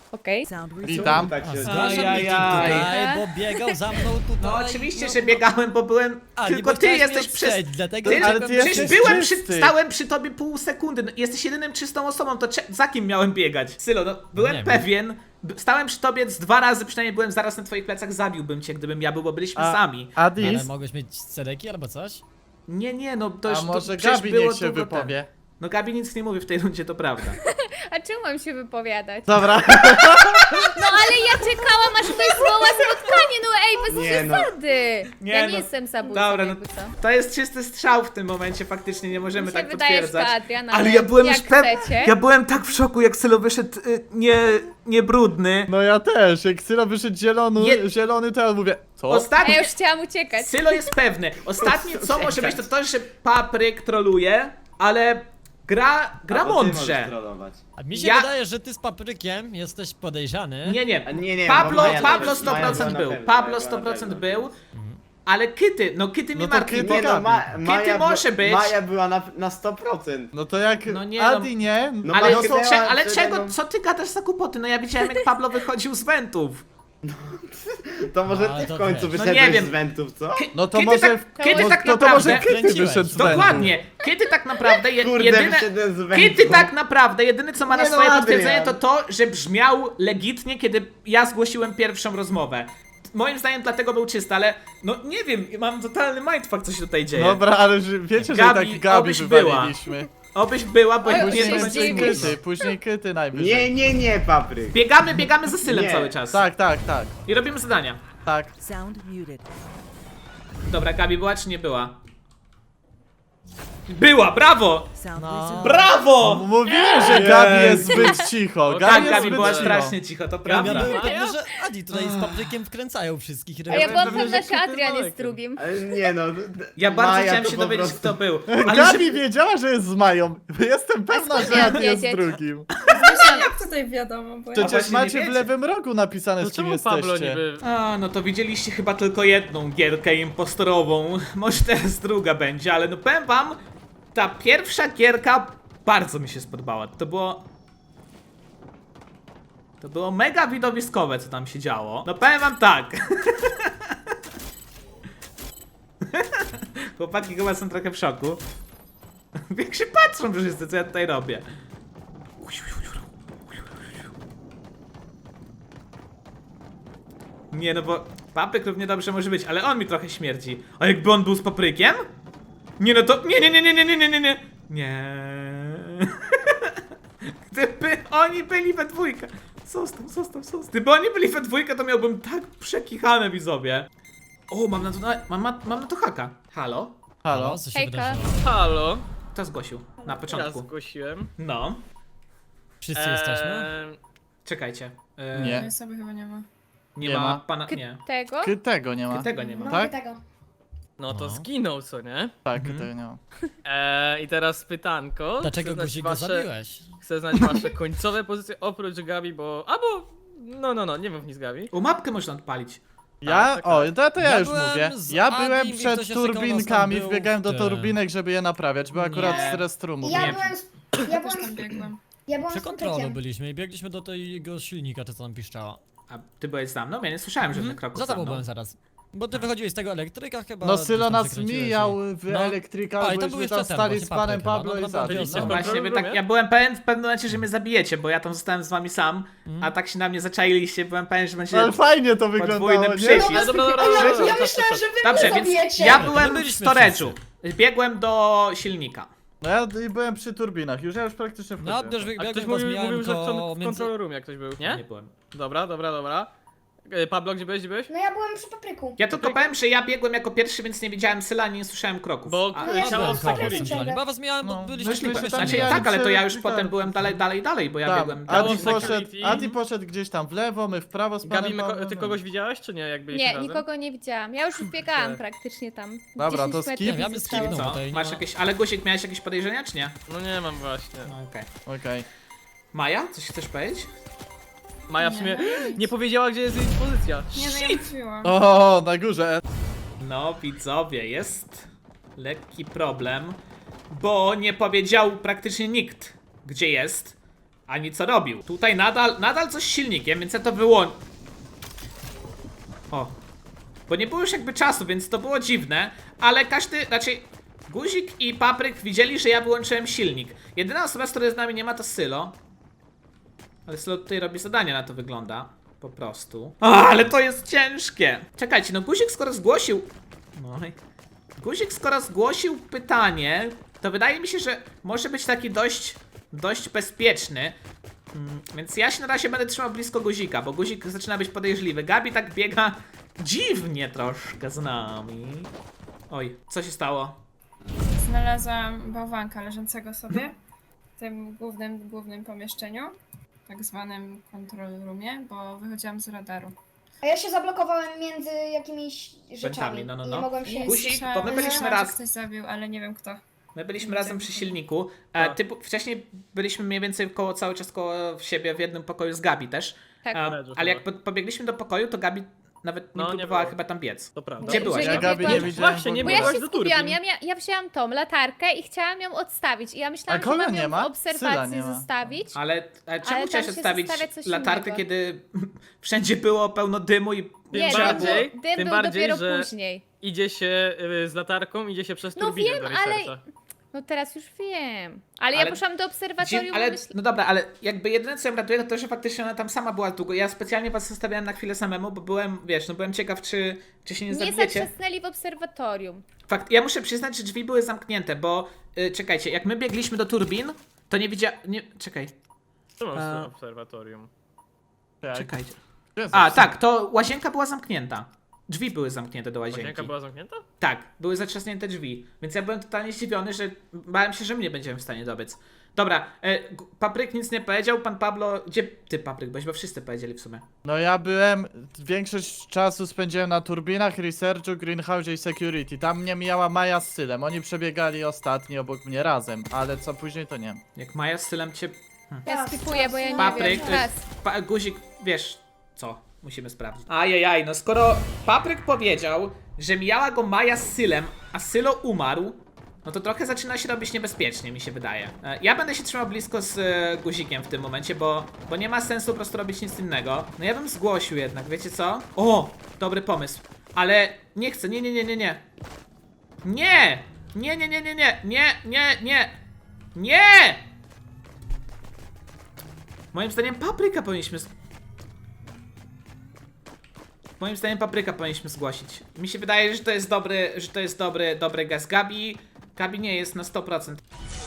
Speaker 2: Okej.
Speaker 4: Witam.
Speaker 5: Tak
Speaker 7: A,
Speaker 5: się
Speaker 7: zgłaszam meeting
Speaker 1: Ajajaj.
Speaker 7: tutaj, bo biegał za mną tutaj.
Speaker 1: No oczywiście, że biegałem, bo byłem...
Speaker 7: A, nie,
Speaker 1: tylko
Speaker 7: bo
Speaker 1: ty
Speaker 7: chciałeś mnie
Speaker 1: jesteś przez...
Speaker 7: odstrzelić, dlatego
Speaker 1: Ty,
Speaker 4: ale
Speaker 7: czekam-
Speaker 4: ty
Speaker 1: przecież
Speaker 4: jesteś
Speaker 1: byłem przy,
Speaker 4: czysty.
Speaker 1: stałem przy tobie pół sekundy, no, jesteś jedynym czystą osobą, to cze- za kim miałem biegać? Sylo, no byłem
Speaker 7: Nie wiem.
Speaker 1: pewien, b- stałem przy tobie z dwa razy, przynajmniej byłem zaraz na twoich plecach, zabiłbym cię, gdybym ja był, bo byliśmy
Speaker 4: A-
Speaker 1: sami.
Speaker 7: Ale
Speaker 4: Adis,
Speaker 7: mogłeś mieć cedeki albo coś?
Speaker 1: Nie, nie, no to już
Speaker 4: a może
Speaker 1: to, przecież
Speaker 4: Gabi
Speaker 1: było
Speaker 4: niech się
Speaker 1: długo
Speaker 4: wypowie?
Speaker 1: temu. No Gabi nic nie mówi w tej rundzie, to prawda.
Speaker 2: A czemu mam się wypowiadać?
Speaker 4: Dobra.
Speaker 2: No ale ja czekałam, aż ktoś zwoła spotkanie, no ej, bez
Speaker 5: Nie, no.
Speaker 2: przesady.
Speaker 1: Nie,
Speaker 2: Ja
Speaker 1: no.
Speaker 2: nie jestem zabójcą,
Speaker 1: Dobra, no
Speaker 2: jakby co.
Speaker 1: to jest czysty strzał w tym momencie, faktycznie nie możemy
Speaker 2: Mi się
Speaker 1: tak
Speaker 2: wydaje, że to
Speaker 1: potwierdzać.
Speaker 2: Adrian,
Speaker 1: Ale
Speaker 2: ale
Speaker 1: ja byłem
Speaker 2: jak
Speaker 1: już pewien,
Speaker 2: chcecie.
Speaker 1: ja byłem tak w szoku, jak Sylo wyszedł y, nie, nie brudny.
Speaker 4: No ja też, jak Sylo wyszedł zielony,
Speaker 1: Je-
Speaker 4: zielony, to ja mówię, co?
Speaker 2: A
Speaker 1: Ostatni,
Speaker 2: ja już chciałam uciekać.
Speaker 1: Sylo jest pewny. Ostatnie co może być to to, że Papryk troluje, ale gra, gra
Speaker 5: Albo ty możesz
Speaker 1: mądrze.
Speaker 5: trollować.
Speaker 7: A mi się
Speaker 1: Ja-
Speaker 7: wydaje, że ty z paprykiem jesteś podejrzany.
Speaker 1: Nie, nie.
Speaker 5: A nie, nie,
Speaker 1: Pablo,
Speaker 5: bo Maja
Speaker 1: Pablo
Speaker 5: też- Maja
Speaker 1: sto procent
Speaker 5: była na
Speaker 1: był.
Speaker 5: pewno,
Speaker 1: Pablo
Speaker 5: Maja
Speaker 1: sto
Speaker 5: była na
Speaker 1: procent
Speaker 5: pewno.
Speaker 1: był. Ale Kyty, no Kyty mnie
Speaker 4: No to
Speaker 1: martwi.
Speaker 4: Kyty
Speaker 1: bo-
Speaker 5: Nie no, Ma,
Speaker 4: Gabi.
Speaker 5: Maja,
Speaker 1: Kiedy
Speaker 5: była-
Speaker 1: może być?
Speaker 5: Maja była na, na sto procent.
Speaker 4: No to jak
Speaker 1: No nie,
Speaker 4: Adi
Speaker 1: no-
Speaker 4: nie,
Speaker 5: No
Speaker 1: Ale,
Speaker 5: no to-
Speaker 1: cze, ale
Speaker 5: to-
Speaker 1: czego,
Speaker 5: no-
Speaker 1: co ty gadasz za kłopoty? No ja widziałem jak Pablo wychodził z wentów.
Speaker 5: To może
Speaker 7: No,
Speaker 5: ty w
Speaker 7: to
Speaker 5: końcu
Speaker 7: wiesz.
Speaker 1: No
Speaker 5: wyszedłeś
Speaker 1: nie wiem.
Speaker 5: z wentów, co?
Speaker 1: Ky-
Speaker 4: no to
Speaker 1: kiedy
Speaker 4: może...
Speaker 1: tak, kiedy
Speaker 4: no,
Speaker 1: tak
Speaker 4: no to może
Speaker 1: naprawdę...
Speaker 4: Kyty
Speaker 7: Kręciłeś.
Speaker 4: wyszedł z wentów.
Speaker 1: Dokładnie. Kiedy tak naprawdę je,
Speaker 5: Kurde,
Speaker 1: jedyne...
Speaker 5: wyszedłem z wentów.
Speaker 1: Kiedy tak naprawdę jedyne co ma na
Speaker 5: Nie no,
Speaker 1: swoje
Speaker 5: Adrian.
Speaker 1: potwierdzenie to to, że brzmiał legitnie, kiedy ja zgłosiłem pierwszą rozmowę. Moim zdaniem dlatego był czysty, ale no nie wiem, mam totalny mindfuck co się tutaj dzieje.
Speaker 4: Dobra, ale że, wiecie, że
Speaker 1: Gabi,
Speaker 4: i tak Gabi
Speaker 1: obyś była.
Speaker 4: wywaliliśmy.
Speaker 1: Obyś była, bo
Speaker 2: Oj,
Speaker 1: nie
Speaker 2: obyś
Speaker 1: to
Speaker 2: się
Speaker 1: będzie
Speaker 4: Później
Speaker 2: zdziwił.
Speaker 1: smutno.
Speaker 4: Kyty, później Kyty najwyżej.
Speaker 5: Nie, nie, nie, Papryk.
Speaker 1: Biegamy, biegamy za Sylem
Speaker 5: Nie.
Speaker 1: cały czas.
Speaker 4: Tak, tak, tak,
Speaker 1: I robimy zadania.
Speaker 4: tak.
Speaker 8: Sound muted.
Speaker 1: Dobra, Gabi była czy nie była? Była, brawo!
Speaker 8: Sound
Speaker 7: No.
Speaker 8: resumed.
Speaker 1: Brawo!
Speaker 4: Mówiłem, że Gabi jest zbyt cicho.
Speaker 1: Tak,
Speaker 4: Gabi jest
Speaker 1: Gabi
Speaker 4: zbyt
Speaker 1: była
Speaker 4: cicho.
Speaker 1: strasznie cicho, to
Speaker 7: Ja
Speaker 1: prawda.
Speaker 7: byłem
Speaker 3: Maja?
Speaker 7: pewny, że Adi tutaj z paprykiem wkręcają wszystkich.
Speaker 2: A ja byłam
Speaker 3: pewny,
Speaker 2: pewna,
Speaker 3: że
Speaker 2: że
Speaker 3: Kyty
Speaker 2: Adrian jest
Speaker 3: Majkiem.
Speaker 2: drugim.
Speaker 5: Ale nie no. d- d-
Speaker 1: Ja bardzo
Speaker 5: Maja
Speaker 1: chciałem
Speaker 5: to
Speaker 1: się
Speaker 5: po
Speaker 1: dowiedzieć
Speaker 5: prostu-
Speaker 1: kto był. Ale
Speaker 4: Gabi
Speaker 1: że...
Speaker 4: wiedziała, że jest z Mają. Jestem pewna,
Speaker 2: skąd
Speaker 4: że
Speaker 2: miałam
Speaker 4: Adi jest
Speaker 2: wiedzieć?
Speaker 4: drugim.
Speaker 6: Właśnie, jak tutaj wiadomo, bo ja...
Speaker 4: Przecież
Speaker 1: właśnie nie
Speaker 4: macie w
Speaker 1: wiecie.
Speaker 4: lewym rogu napisane,
Speaker 3: To
Speaker 4: z kim
Speaker 3: czemu Pablo
Speaker 4: jesteście.
Speaker 3: niby...
Speaker 1: A, no to widzieliście chyba tylko jedną gierkę impostorową. Może teraz druga będzie, ale no powiem wam, ta pierwsza gierka bardzo mi się spodobała. To było... To było mega widowiskowe, co tam się działo. No powiem wam tak. Chłopaki chyba są trochę w szoku. Jak się patrzą wszyscy, co ja tutaj robię. Nie no bo papryk równie dobrze może być, ale on mi trochę śmierdzi. A jakby on był z paprykiem? Nie no to... Nie, nie, nie, nie, nie, nie, nie, nie, nie. Nie. Gdyby oni byli we dwójkę. Zostaw, zostaw, zostaw. Gdyby oni byli we dwójkę, to miałbym tak przekichane, widzowie. O, mam na to, mam, mam, mam na to haka. Halo?
Speaker 4: Halo?
Speaker 7: Co się
Speaker 2: Hejka.
Speaker 7: wydarzyło?
Speaker 3: Halo?
Speaker 1: Kto zgłosił? Na
Speaker 3: Ja
Speaker 1: początku.
Speaker 3: zgłosiłem.
Speaker 1: No.
Speaker 7: Wszyscy jesteśmy?
Speaker 3: Eee,
Speaker 1: Czekajcie. E,
Speaker 4: Nie.
Speaker 6: Tej osoby chyba nie ma.
Speaker 1: Nie,
Speaker 4: Nie
Speaker 1: ma,
Speaker 4: ma.
Speaker 1: pana... Nie.
Speaker 2: Tego?
Speaker 4: Ky- Tego nie ma.
Speaker 1: Tego nie ma.
Speaker 4: Tak?
Speaker 3: no to
Speaker 7: No.
Speaker 3: zginął, co nie?
Speaker 4: Tak,
Speaker 1: Mhm.
Speaker 4: tego nie ma.
Speaker 3: Eee, I teraz pytanko.
Speaker 7: Dlaczego
Speaker 3: Chcę znać
Speaker 7: guzik go
Speaker 3: wasze-
Speaker 7: zabiłeś?
Speaker 3: Chcę znać wasze końcowe pozycje oprócz Gabi, bo... Albo... No, no, no, nie mów nic Gabi.
Speaker 1: U mapkę można odpalić.
Speaker 4: Ja,
Speaker 3: tak,
Speaker 4: o,
Speaker 3: tak.
Speaker 4: to, to ja,
Speaker 7: Ja
Speaker 4: już
Speaker 7: byłem
Speaker 4: mówię.
Speaker 7: z
Speaker 4: Ja
Speaker 7: Adim
Speaker 4: byłem
Speaker 7: i ktoś
Speaker 4: przed
Speaker 7: jeszcze koło nas tam
Speaker 4: turbinkami,
Speaker 7: był
Speaker 4: wbiegałem do
Speaker 7: w
Speaker 4: turbinek, żeby je naprawiać. Była akurat
Speaker 1: Nie.
Speaker 4: z restrumu.
Speaker 9: Ja
Speaker 1: Nie.
Speaker 9: byłem z, ja
Speaker 6: Też
Speaker 9: byłem
Speaker 6: tam
Speaker 9: z,
Speaker 6: biegłem.
Speaker 9: ja byłem
Speaker 7: Przy
Speaker 9: z
Speaker 7: kontrolu
Speaker 9: Patrykiem.
Speaker 7: byliśmy i biegliśmy do tego silnika, czy co tam piszczała.
Speaker 1: A ty byłeś za mną? Ja nie słyszałem żadnych kroków
Speaker 7: Za
Speaker 1: za
Speaker 7: tobą
Speaker 1: mną.
Speaker 7: byłem zaraz. Bo ty wychodziłeś z tego elektryka chyba.
Speaker 4: No
Speaker 7: gdzieś
Speaker 4: Sylo
Speaker 7: tam
Speaker 4: nas
Speaker 7: przekręciłeś
Speaker 4: mijał
Speaker 7: i-
Speaker 4: w
Speaker 7: No.
Speaker 4: elektryka,
Speaker 7: A, i tam
Speaker 4: byliśmy
Speaker 7: był
Speaker 4: tam
Speaker 7: jeszcze ten,
Speaker 4: stali
Speaker 7: właśnie
Speaker 4: z panem
Speaker 7: Papryk chyba,
Speaker 4: Pablo
Speaker 7: no,
Speaker 4: i
Speaker 7: no,
Speaker 4: za
Speaker 3: byliście
Speaker 1: No
Speaker 3: w
Speaker 1: właśnie, wy
Speaker 3: kontrolu
Speaker 1: tak,
Speaker 3: roomie?
Speaker 1: ja byłem pewien w pewnym momencie, że mnie zabijecie, bo ja tam zostałem z wami sam, a tak się na mnie zaczailiście, byłem pewien, że będzie...
Speaker 4: Ale fajnie to wyglądało,
Speaker 1: Podwójny
Speaker 4: nie?
Speaker 1: przycisk.
Speaker 3: Ale dobra, dobra,
Speaker 9: A
Speaker 3: dobra,
Speaker 9: ja,
Speaker 3: dobra,
Speaker 9: ja
Speaker 3: czas,
Speaker 9: myślałem,
Speaker 3: czas,
Speaker 9: że wy
Speaker 1: Dobrze,
Speaker 9: mnie
Speaker 1: więc
Speaker 9: zabijecie.
Speaker 1: ja
Speaker 7: My
Speaker 1: byłem w
Speaker 7: byliśmy
Speaker 1: storage'u. Biegłem do silnika.
Speaker 4: No ja i byłem przy turbinach, już ja już praktycznie
Speaker 7: No,
Speaker 4: wchodziłem.
Speaker 7: też
Speaker 3: A
Speaker 7: wybiegłem,
Speaker 3: ktoś
Speaker 7: was
Speaker 3: mówił,
Speaker 7: mijałem
Speaker 3: mówił że w,
Speaker 7: koło
Speaker 3: w
Speaker 7: między...
Speaker 3: control room jak ktoś był,
Speaker 1: Nie
Speaker 3: nie?
Speaker 1: byłem.
Speaker 3: Dobra, dobra, dobra. E, Pablo, gdzie byłeś, gdzie byłeś?
Speaker 9: No ja byłem przy papryku.
Speaker 1: Ja tylko powiem, że ja biegłem jako pierwszy, więc nie widziałem Syla, ani nie słyszałem kroków.
Speaker 3: Bo
Speaker 1: A,
Speaker 9: No
Speaker 7: Ja
Speaker 9: ja
Speaker 3: ciało
Speaker 7: byłem
Speaker 9: z
Speaker 7: koło
Speaker 9: Patrykiem
Speaker 7: centralnie,
Speaker 9: ciągle.
Speaker 7: bo ja was mijałem, bo
Speaker 4: No,
Speaker 7: byliśmy
Speaker 4: myśmy
Speaker 7: byliśmy
Speaker 4: się tam
Speaker 1: Znaczy,
Speaker 4: mijali
Speaker 1: tak, ale to ja już
Speaker 4: przy-
Speaker 1: potem byłem dalej, dalej, dalej, bo ja
Speaker 4: Tam,
Speaker 1: biegłem dalej.
Speaker 4: Adi
Speaker 3: Było
Speaker 4: poszedł,
Speaker 3: security.
Speaker 4: Adi poszedł gdzieś tam w lewo, my w prawo z
Speaker 3: Gabi,
Speaker 4: panem
Speaker 3: my, ko-
Speaker 4: Pawłem.
Speaker 3: ty kogoś widziałeś, czy nie, jak byliśmy
Speaker 2: Nie,
Speaker 3: razem?
Speaker 2: nikogo nie widziałam. Ja już biegałam
Speaker 3: Okej.
Speaker 2: praktycznie tam.
Speaker 4: Dobra,
Speaker 2: dziesięć
Speaker 4: to
Speaker 2: metrów
Speaker 4: skip.
Speaker 7: Nie, ja bym
Speaker 2: zostało.
Speaker 7: skipnął.
Speaker 1: Co?
Speaker 7: tutaj nie
Speaker 1: Masz
Speaker 7: ma-
Speaker 1: jakieś... Ale Guzik, miałeś jakieś podejrzenia, czy nie?
Speaker 3: No nie mam właśnie.
Speaker 1: No, okej.
Speaker 4: Okej.
Speaker 1: Maja, coś chcesz powiedzieć?
Speaker 3: Maja w sumie nie powiedziała, gdzie jest jej pozycja.
Speaker 6: Nie, no ja mówiłam.
Speaker 4: O, na górze.
Speaker 1: No, widzowie, jest lekki problem, bo nie powiedział praktycznie nikt, gdzie jest. ani co robił. Tutaj nadal, nadal coś z silnikiem, więc ja to wyłączę. O. Bo nie było już jakby czasu, więc to było dziwne, ale każdy, raczej Guzik i Papryk widzieli, że ja wyłączyłem silnik. Jedyna osoba, z której z nami nie ma, to Sylo. Ale Sylo tutaj robi zadania, na to wygląda. Po prostu. A, ale to jest ciężkie! Czekajcie, no Guzik skoro zgłosił... No i... Guzik skoro zgłosił pytanie, to wydaje mi się, że może być taki dość, dość bezpieczny. Mm, więc ja się na razie będę trzymał blisko Guzika, bo Guzik zaczyna być podejrzliwy. Gabi tak biega dziwnie troszkę z nami. Oj, co się stało?
Speaker 6: Znalazłam bałwanka leżącego sobie w tym głównym, głównym pomieszczeniu, tak zwanym control roomie, bo wychodziłam z radaru.
Speaker 8: A ja się zablokowałem między jakimiś rzeczami
Speaker 1: no, no,
Speaker 8: i
Speaker 1: no.
Speaker 8: nie mogłem się...
Speaker 1: Guzik,
Speaker 6: Słyszałam-
Speaker 1: bo my byliśmy
Speaker 6: słyszałam, że
Speaker 1: raz-
Speaker 6: ktoś zabił, ale nie wiem kto.
Speaker 1: My byliśmy razem przy silniku. E, ty, wcześniej byliśmy mniej więcej koło, cały czas koło siebie w jednym pokoju z Gabi też.
Speaker 2: Tak.
Speaker 1: E,
Speaker 3: Leży
Speaker 1: ale jak
Speaker 3: chyba.
Speaker 1: po, pobiegliśmy do pokoju, to Gabi nawet nie
Speaker 3: No, nie
Speaker 1: próbowała
Speaker 3: było.
Speaker 1: chyba tam biec.
Speaker 3: To prawda.
Speaker 1: Gdzie
Speaker 2: Że-
Speaker 1: byłaś?
Speaker 2: że
Speaker 4: Ja Gabi nie
Speaker 2: biegłam-
Speaker 4: widziałem.
Speaker 3: Właśnie, nie
Speaker 4: w
Speaker 2: Bo
Speaker 4: ogóle.
Speaker 2: ja
Speaker 3: byłaś
Speaker 2: się
Speaker 3: do
Speaker 2: skupiłam,
Speaker 3: turbin.
Speaker 2: ja, mia ja wzięłam tą latarkę i chciałam ją odstawić. I ja myślałam,
Speaker 4: A
Speaker 2: że
Speaker 4: kogo
Speaker 2: mam
Speaker 4: nie
Speaker 2: ją
Speaker 4: ma?
Speaker 2: w obserwacji
Speaker 4: Syla nie ma.
Speaker 2: zostawić.
Speaker 1: Ale, ale czemu
Speaker 2: Ale
Speaker 1: chciałeś
Speaker 2: tam się
Speaker 1: odstawić
Speaker 2: zostawia coś
Speaker 1: latarkę,
Speaker 2: innego.
Speaker 1: kiedy wszędzie było pełno dymu i...
Speaker 2: Nie,
Speaker 3: Tym
Speaker 2: dym
Speaker 3: bardziej-
Speaker 2: był, dym
Speaker 3: tym
Speaker 2: był
Speaker 3: bardziej,
Speaker 2: dopiero
Speaker 3: że-
Speaker 2: później.
Speaker 3: Idzie się y, z latarką, idzie się przez
Speaker 2: No
Speaker 3: turbinę
Speaker 2: wiem,
Speaker 3: do
Speaker 2: ale-
Speaker 3: researcha.
Speaker 2: No teraz już wiem. Ale,
Speaker 1: Ale-
Speaker 2: ja poszłam do obserwatorium,
Speaker 1: Dziw, ale,
Speaker 2: myśl...
Speaker 1: no dobra, ale jakby jedyne co ją ratuje, to to, że faktycznie ona tam sama była długo. Ja specjalnie was zostawiałem na chwilę samemu, bo byłem, wiesz, no byłem ciekaw, czy, czy się nie
Speaker 2: Nie
Speaker 1: zabijecie.
Speaker 2: zatrzasnęli w obserwatorium.
Speaker 1: Fakt, ja muszę przyznać, że drzwi były zamknięte, bo y, czekajcie, jak my biegliśmy do turbin, to nie widziałem. Nie, czekaj,
Speaker 3: Co masz
Speaker 1: A-
Speaker 3: w obserwatorium?
Speaker 4: Tak.
Speaker 1: czekajcie.
Speaker 4: Gdzie jest
Speaker 1: A,
Speaker 4: napisane?
Speaker 1: tak, to łazienka była zamknięta. Drzwi były zamknięte do łazienki.
Speaker 3: Łazienka była zamknięta?
Speaker 1: Tak, były zatrzasnięte drzwi. Więc ja byłem totalnie zdziwiony, że bałem się, że my nie będziemy w stanie dobiec. Dobra, e, G- Papryk nic nie powiedział, pan Pablo. Gdzie ty, Papryk, byłeś, bo wszyscy powiedzieli w sumie.
Speaker 4: No ja byłem, większość czasu spędziłem na turbinach, researchu, greenhouse i security. Tam mnie mijała Maja z Sylem. Oni przebiegali ostatni obok mnie razem, ale co później to nie.
Speaker 1: Jak Maja z Sylem cię.
Speaker 2: Ja
Speaker 8: Raz,
Speaker 2: skipuję, bo ja nie
Speaker 1: Papryk,
Speaker 2: wiem.
Speaker 1: y,
Speaker 2: Raz.
Speaker 1: pa, guzik, wiesz co? Musimy sprawdzić. Ajajaj, no skoro Papryk powiedział, że mijała go Maja z Sylem, a Sylo umarł, no to trochę zaczyna się robić niebezpiecznie, mi się wydaje. E, Ja będę się trzymał blisko z e, guzikiem w tym momencie, bo, bo nie ma sensu po prostu robić nic innego. No ja bym zgłosił jednak, wiecie co? O, dobry pomysł. Ale nie chcę, nie, nie, nie, nie, nie. Nie! Nie, nie, nie, nie, nie, nie, nie, nie. Nie! Moim zdaniem Papryka powinniśmy... z- Moim zdaniem Papryka powinniśmy zgłosić. Mi się wydaje, że to jest dobry, że to jest dobry, dobry gaz. Gabi, Gabi nie jest na sto procent.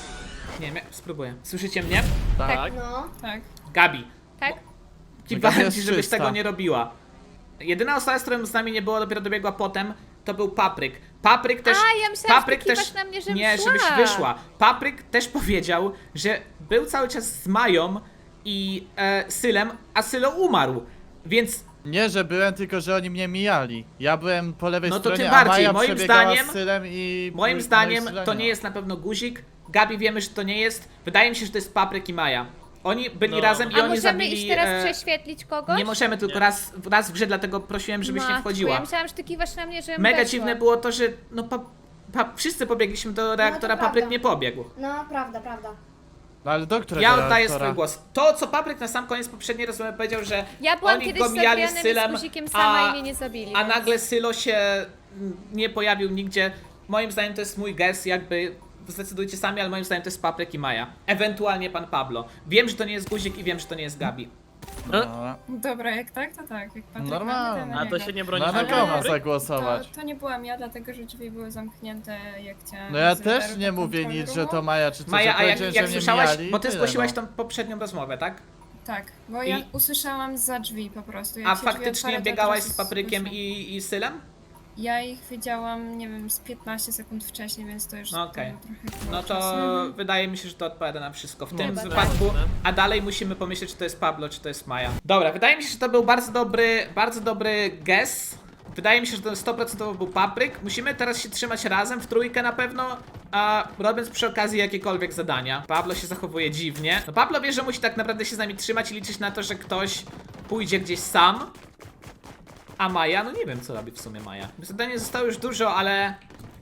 Speaker 1: Nie wiem, ja spróbuję. Słyszycie mnie?
Speaker 3: Tak.
Speaker 8: No.
Speaker 6: Tak.
Speaker 1: Gabi,
Speaker 2: Tak?
Speaker 1: kiwałem
Speaker 4: jest
Speaker 1: ci, żebyś
Speaker 4: czysta.
Speaker 1: tego nie robiła. Jedyna osoba, z którą z nami nie było, dopiero dobiegła potem, to był Papryk. Papryk też...
Speaker 2: A, ja myślałam, że
Speaker 1: Papryk
Speaker 2: ty kiwasz na mnie, żebym
Speaker 1: Nie,
Speaker 2: szła.
Speaker 1: żebyś wyszła. Papryk też powiedział, że był cały czas z Mają i e, Sylem, a Sylo umarł. Więc
Speaker 4: Nie, że byłem, tylko że oni mnie mijali. Ja byłem po lewej
Speaker 1: No to
Speaker 4: stronie,
Speaker 1: tym
Speaker 4: a
Speaker 1: bardziej.
Speaker 4: Maja
Speaker 1: Moim
Speaker 4: przebiegała
Speaker 1: zdaniem-
Speaker 4: z Sylem i...
Speaker 1: moim
Speaker 4: no i
Speaker 1: zdaniem
Speaker 4: Syla
Speaker 1: to
Speaker 4: ma.
Speaker 1: nie jest na pewno guzik. Gabi wiemy, że to nie jest. Wydaje mi się, że to jest Papryk i Maja. Oni byli
Speaker 3: No.
Speaker 1: razem i
Speaker 2: A
Speaker 1: oni
Speaker 2: możemy
Speaker 1: zabili...
Speaker 2: iść teraz
Speaker 1: e,
Speaker 2: prześwietlić kogoś?
Speaker 1: nie możemy, tylko
Speaker 3: Nie.
Speaker 1: raz, raz w grze, dlatego prosiłem, żebyś nie
Speaker 2: Matko,
Speaker 1: wchodziła.
Speaker 2: Ja myślałam, że ty kiwasz na mnie, żebym
Speaker 1: Mega
Speaker 2: weszła.
Speaker 1: dziwne było to, że no pa, pa, wszyscy pobiegliśmy do reaktora,
Speaker 8: prawda.
Speaker 1: Papryk nie pobiegł.
Speaker 8: No, prawda, prawda.
Speaker 4: No ale do którego
Speaker 1: Ja oddaję
Speaker 4: reaktora?
Speaker 1: swój głos. To, co Papryk na sam koniec poprzedniej rozmowy powiedział, że
Speaker 2: Ja byłam
Speaker 1: oni
Speaker 2: kiedyś
Speaker 1: go
Speaker 2: z
Speaker 1: mijali z
Speaker 2: Adrianem i
Speaker 1: Sylem,
Speaker 2: z guzikiem sama
Speaker 1: a,
Speaker 2: i mnie nie zabili.
Speaker 1: a
Speaker 2: więc-
Speaker 1: nagle Sylo się mm, nie pojawił nigdzie. Moim zdaniem to jest mój guess, jakby zdecydujcie sami, ale moim zdaniem to jest Papryk i Maja. Ewentualnie pan Pablo. Wiem, że to nie jest guzik i wiem, że to nie jest Gabi.
Speaker 4: No,
Speaker 6: Dobra, jak tak, to tak. Jak Patryk
Speaker 4: Normalnie.
Speaker 6: ma, to na
Speaker 3: A to
Speaker 6: niego.
Speaker 3: się nie broni.
Speaker 4: no na
Speaker 6: Ale-
Speaker 4: kogo ma
Speaker 6: to-
Speaker 4: zagłosować?
Speaker 6: To, to nie byłam ja, dlatego że drzwi były zamknięte, jak chciałam.
Speaker 4: No ja
Speaker 6: z
Speaker 4: też
Speaker 6: radaru
Speaker 4: nie
Speaker 6: do
Speaker 4: mówię
Speaker 6: control
Speaker 4: nic, że
Speaker 6: roomu.
Speaker 4: to Maja czy coś.
Speaker 1: Maja,
Speaker 4: ja
Speaker 1: a jak,
Speaker 4: powiedziałem,
Speaker 1: jak
Speaker 4: że mnie
Speaker 1: słyszałaś,
Speaker 4: mijali i
Speaker 1: bo ty
Speaker 4: tyle,
Speaker 1: zgłosiłaś
Speaker 4: no.
Speaker 1: tą poprzednią rozmowę, tak?
Speaker 6: Tak, bo ja
Speaker 1: I-
Speaker 6: usłyszałam za drzwi po prostu. Jak
Speaker 1: A
Speaker 6: się drzwi
Speaker 1: faktycznie
Speaker 6: otwarły, to
Speaker 1: biegałaś
Speaker 6: od razu
Speaker 1: z Paprykiem
Speaker 6: słyszę.
Speaker 1: i, i Sylem?
Speaker 6: Ja ich widziałam, nie wiem, z piętnaście sekund wcześniej, więc to już
Speaker 1: No okej.
Speaker 6: tam trochę było
Speaker 1: No to
Speaker 6: czasu.
Speaker 1: wydaje mi się, że to odpowiada na wszystko w tym
Speaker 2: Chyba tak.
Speaker 1: wypadku, a dalej musimy pomyśleć, czy to jest Pablo, czy to jest Maja. Dobra, wydaje mi się, że to był bardzo dobry, bardzo dobry guess. Wydaje mi się, że to sto procent był Papryk. Musimy teraz się trzymać razem, w trójkę na pewno, a robiąc przy okazji jakiekolwiek zadania. Pablo się zachowuje dziwnie. No Pablo wie, że musi tak naprawdę się z nami trzymać i liczyć na to, że ktoś pójdzie gdzieś sam. A Maja? No nie wiem, co robi w sumie Maja. Zadanie zostało już dużo, ale...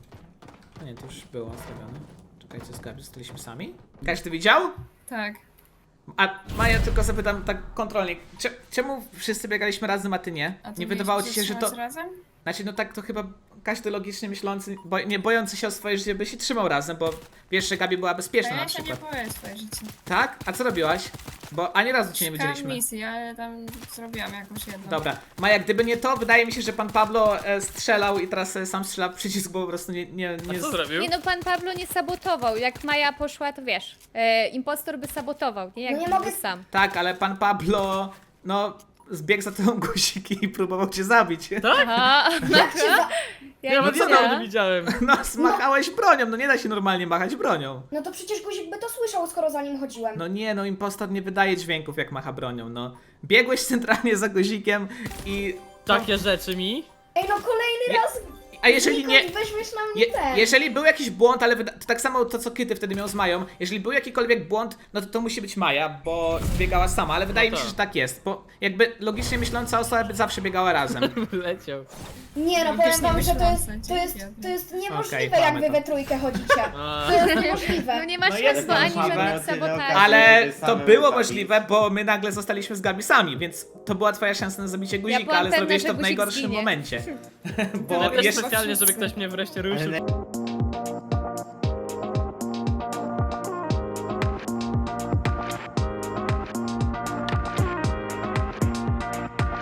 Speaker 1: No nie, to już było zrobione. Czekajcie, z Gabi zostaliśmy sami. Każdy widział?
Speaker 6: Tak.
Speaker 1: A Maja, tylko zapytam tak kontrolnie, cze- czemu wszyscy biegaliśmy razem, a ty nie?
Speaker 6: A ty
Speaker 1: Nie
Speaker 6: wiesz,
Speaker 1: wydawało ci
Speaker 6: że
Speaker 1: się, że to...
Speaker 6: trzymać razem?
Speaker 1: Znaczy, no tak to chyba każdy logicznie myślący, bo, nie bojący się o swoje życie by się trzymał razem, bo wiesz, że Gabi była
Speaker 6: A
Speaker 1: bezpieczna na
Speaker 6: ja się nie
Speaker 1: przykład.
Speaker 6: boję swoje życie.
Speaker 1: Tak? A co robiłaś? Bo ani razu cię nie
Speaker 6: Szukałam
Speaker 1: widzieliśmy.
Speaker 6: misji, ale tam zrobiłam jakąś jedną.
Speaker 1: Dobra, Maja, gdyby nie to, wydaje mi się, że pan Pablo e, strzelał i teraz e, sam strzela w przycisk, bo po prostu nie... nie, nie
Speaker 3: A co zrobił?
Speaker 2: Nie no, pan Pablo nie sabotował. Jak Maja poszła, to wiesz, e, impostor by sabotował, nie? Jak
Speaker 8: No nie
Speaker 2: był
Speaker 8: mogę-
Speaker 2: sam.
Speaker 1: Tak, ale pan Pablo, no, zbiegł za tobą guziki i próbował cię zabić.
Speaker 2: Aha,
Speaker 8: Jak się za...
Speaker 2: ja
Speaker 3: Ja
Speaker 2: nie
Speaker 3: nawet
Speaker 2: wiem.
Speaker 3: co nie widziałem.
Speaker 1: No, zmachałeś bronią, no nie da się normalnie machać bronią.
Speaker 8: No to przecież guzik by to słyszał, skoro za nim chodziłem.
Speaker 1: No nie, no impostor nie wydaje dźwięków jak macha bronią, no. Biegłeś centralnie za guzikiem i...
Speaker 3: Takie rzeczy mi.
Speaker 8: Ej, no kolejny
Speaker 1: Nie-
Speaker 8: raz...
Speaker 1: A jeżeli nie...
Speaker 8: Nikos, weźmiesz na mnie
Speaker 1: Je,
Speaker 8: ten.
Speaker 1: jeżeli był jakiś błąd, ale wyda- to tak samo to co Kyty wtedy miał z Mają, jeżeli był jakikolwiek błąd, no to to musi być Maja, bo biegała sama, ale wydaje
Speaker 3: No
Speaker 1: mi się,
Speaker 3: tak.
Speaker 1: że tak jest, bo jakby logicznie myśląca osoba by zawsze biegała razem.
Speaker 3: Leciał.
Speaker 8: Nie no,
Speaker 6: No
Speaker 8: powiem
Speaker 6: też
Speaker 8: wam,
Speaker 6: nie
Speaker 8: że to jest,
Speaker 6: myślące,
Speaker 8: to jest,
Speaker 6: dzięki.
Speaker 8: to jest niemożliwe,
Speaker 1: Okej,
Speaker 8: jak
Speaker 1: mamy
Speaker 8: wy
Speaker 1: to.
Speaker 8: we trójkę chodzicie.
Speaker 3: A,
Speaker 8: To jest niemożliwe.
Speaker 2: No nie ma
Speaker 1: No
Speaker 2: szans,
Speaker 1: jest
Speaker 2: bo ani
Speaker 1: możliwe.
Speaker 2: żadnych sabotaży.
Speaker 1: Ale
Speaker 5: Same
Speaker 1: to było
Speaker 5: wypadki.
Speaker 1: możliwe, bo my nagle zostaliśmy z Gabi sami, więc to była twoja szansa na zabicie guzika,
Speaker 2: byłam
Speaker 1: ale
Speaker 2: pewna,
Speaker 1: zrobiłeś
Speaker 2: że
Speaker 1: to w
Speaker 2: guzik
Speaker 1: najgorszym
Speaker 2: zginie.
Speaker 1: momencie. Bo
Speaker 3: ale też
Speaker 1: jeszcze...
Speaker 3: specjalnie, żeby ktoś mnie wreszcie ruszył.
Speaker 5: Ale